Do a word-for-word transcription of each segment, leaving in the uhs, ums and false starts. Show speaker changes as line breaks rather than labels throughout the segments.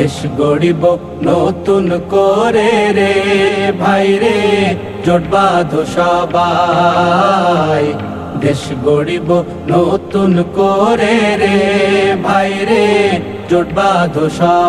দেশ গড়িব নতুন করে রে ভাই রে, জোট বাঁধো সবাই। দেশ গড়িব নতুন করে রে ভাই রে, জোট বাঁধো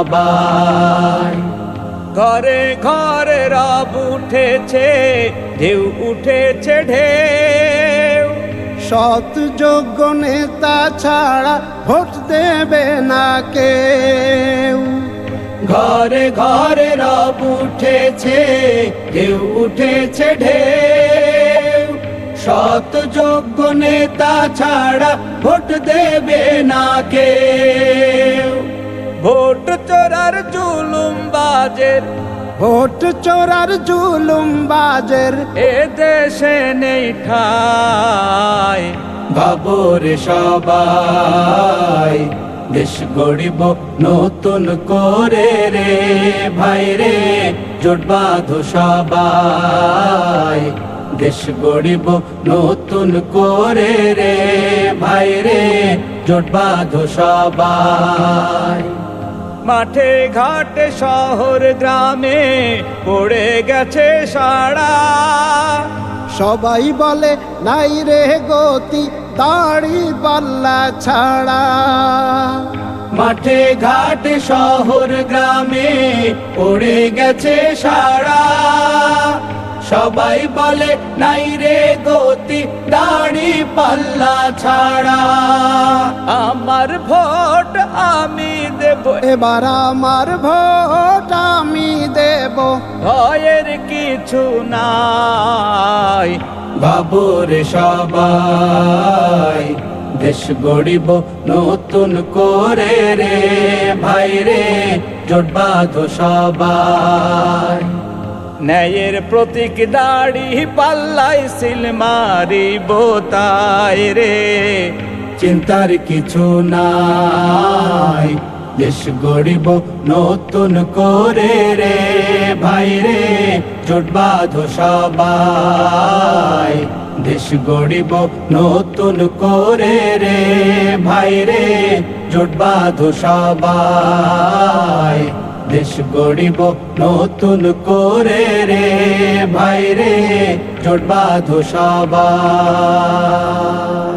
সবাই। ঘরে ঘরে রব উঠেছে, ঢেউ উঠেছে ঢেউ,
সৎ যোগ্য নেতা ছাড়া ভোট দেবে না কেউ।
ঘরে ঘরে রব উঠেছে, ঢেউ উঠেছে ঢেউ, সৎ যোগ্য নেতা ছাড়া ভোট দেবে না কেউ। ভোট চোরার জুলুম বাজের,
ভোট চোরার জুলুম বাজের
এ দেশে নেই ঠাই। ভাবরে সবাই, দেশ গড়িব নতুন করে রে ভাই রে, জোট বাঁধো সবাই। দেশ গড়িব নতুন করে রে ভাই রে, জোট বাঁধো সবাই। মাঠে ঘাটে শহর গ্রামে পড়ে গেছে সাড়া,
সবাই বলে নাই রে গতি দাড়ি পাল্লা ছাড়া।
মাঠে ঘাটে শহর গ্রামে পড়ে গেছে সাড়া, সবাই বলে নাই রে গতি দাড়ি পাল্লা ছাড়া। আমার ভোট আমি দেব,
এবার আমার ভোট আমি দেব,
ভয়ের কিছু নাই। বাবুরে সবাই, দেশ গড়িব নতুন করে রে ভাই রে, জোট বাঁধো সবাই। ন্যায়ের প্রতীক দাড়ি পাল্লাই সিল মারিব তাই রে, চিন্তার কিছু নাই। দেশ গড়িব নতুন করে রে ভাই রে, জোট বাঁধো সবাই। দেশ গড়িব নতুন করে রে ভাই রে, জোট বাঁধো সবাই। দেশ গড়িব নতুন করে রে ভাই রে, জোট বাঁধো সবাই।